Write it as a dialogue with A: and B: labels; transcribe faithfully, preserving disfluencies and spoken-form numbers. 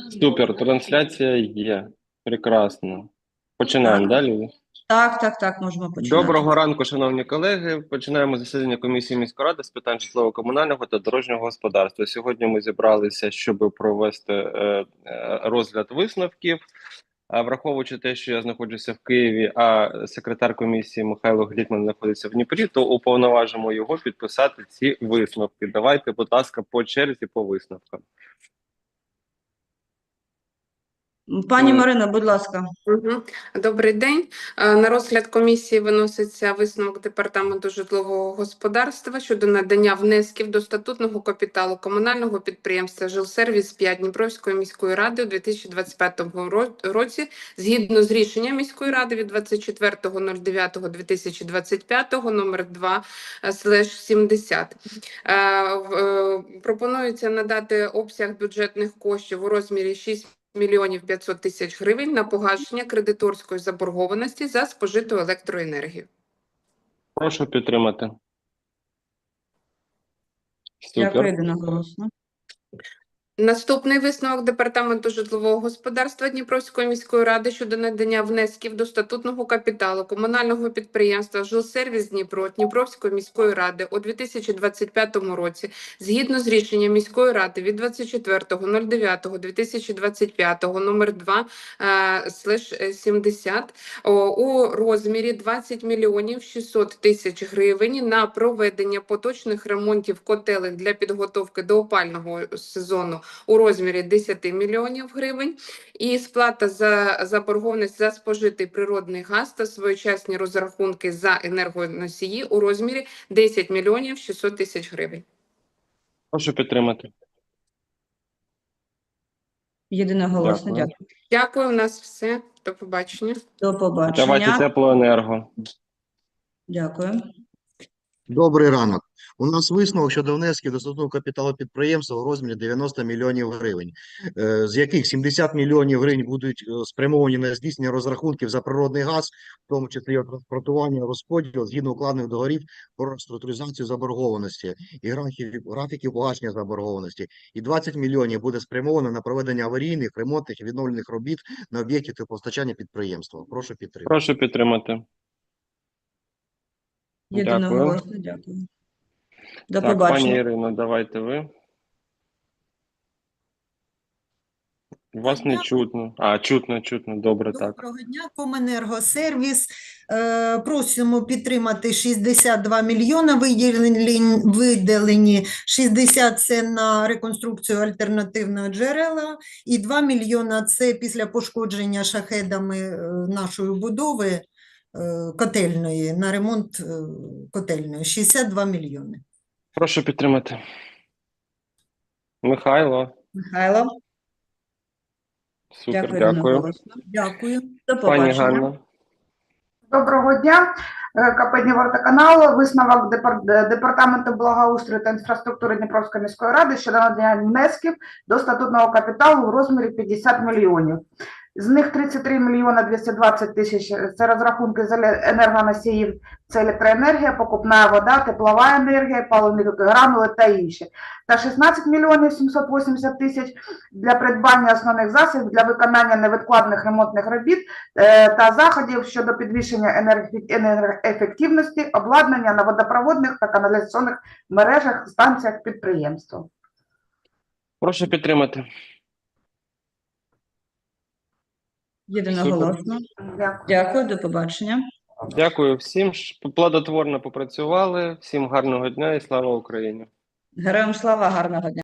A: Супер, трансляція є. Прекрасно. Починаємо далі.
B: Так, так, так, можемо починати.
A: Доброго ранку, шановні колеги. Починаємо засідання комісії міської ради з питань житлово-комунального та дорожнього господарства. Сьогодні ми зібралися, щоб провести е, е, розгляд висновків. А враховуючи те, що я знаходжуся в Києві, а секретар комісії Михайло Глікман знаходиться в Дніпрі, то уповноважимо його підписати ці висновки. Давайте, будь ласка, по черзі по висновкам.
B: Пані Марина, будь ласка.
C: Угу. Добрий день. На розгляд комісії виноситься висновок Департаменту житлового господарства щодо надання внесків до статутного капіталу комунального підприємства «Жилсервіс п'ять» Дніпровської міської ради у дві тисячі двадцять п'ятому році згідно з рішенням міської ради від двадцять четвертого дев'ятого дві тисячі двадцять п'ятого номер два сімдесят. Пропонується надати обсяг бюджетних коштів у розмірі шість мільйонів п'ятсот тисяч гривень на погашення кредиторської заборгованості за спожиту електроенергію.
A: Прошу підтримати. Супер.
B: Дякую, одноголосно.
C: Наступний висновок Департаменту житлового господарства Дніпровської міської ради щодо надання внесків до статутного капіталу комунального підприємства «Жилсервіс Дніпро» Дніпровської міської ради у дві тисячі двадцять п'ятому році згідно з рішенням міської ради від двадцять четвертого дев'ятого дві тисячі двадцять п'ятого номер два сімдесят у розмірі двадцять мільйонів шістсот тисяч гривень на проведення поточних ремонтів котелень для підготовки до опалювального сезону у розмірі десять мільйонів гривень і сплата за заборгованість за спожитий природний газ та своєчасні розрахунки за енергоносії у розмірі десять мільйонів шістсот тисяч гривень.
A: Прошу підтримати.
B: Єдиноголосно,
A: Дякую.
B: дякую.
C: Дякую, у нас все. До побачення.
B: До побачення.
A: Давайте теплоенерго.
B: Дякую.
D: Добрий ранок. У нас висновок щодо внесків до статутного капіталу підприємства у розмірі дев'яносто мільйонів гривень, е, з яких сімдесят мільйонів гривень будуть е, спрямовані на здійснення розрахунків за природний газ, в тому числі його транспортування, розподіл згідно укладених договорів про реструктуризацію заборгованості і графіків, графіків погашення заборгованості. І двадцять мільйонів буде спрямовано на проведення аварійних, ремонтних і відновлених робіт на об'єкті теплопостачання підприємства. Прошу підтримати.
A: Прошу підтримати.
B: Єдиноголосно, дякую. До
A: Так,
B: побачення.
A: пані Ірино, давайте ви. Вас не чутно. А, чутно, чутно. Добре, так.
E: Доброго дня, Коменергосервіс. Е, просимо підтримати шістдесят два мільйона, виділені, виділені шістдесят – це на реконструкцію альтернативного джерела, і два мільйона – це після пошкодження шахедами е, нашої будови е, котельної, на ремонт е, котельної. шістдесят два мільйони.
A: Прошу підтримати. Михайло.
B: Михайло.
A: Супер,
B: Дякую.
A: дякую.
B: одноголосно.
E: Дякую.
B: До
A: Пані
B: побачення.
A: Ганна.
F: Доброго дня. КП «Днівортоканал». Висновок Депар- Департаменту благоустрою та інфраструктури Дніпровської міської ради щодо надання внесків до статутного капіталу у розмірі п'ятдесят мільйонів. З них тридцять три мільйона двісті двадцять тисяч – це розрахунки з енергоносіїв, це електроенергія, покупна вода, теплова енергія, паливні гранули та інші. Та шістнадцять мільйонів сімсот вісімдесят тисяч для придбання основних засобів для виконання невідкладних ремонтних робіт е, та заходів щодо підвищення енерг- енергоефективності, обладнання на водопроводних та каналізаційних мережах, станціях підприємства.
A: Прошу підтримати.
B: Єдиноголосно.
F: Дякую.
B: Дякую, до побачення.
A: Дякую всім. що Плодотворно попрацювали. Всім гарного дня і слава Україні.
B: Героям слава, гарного дня.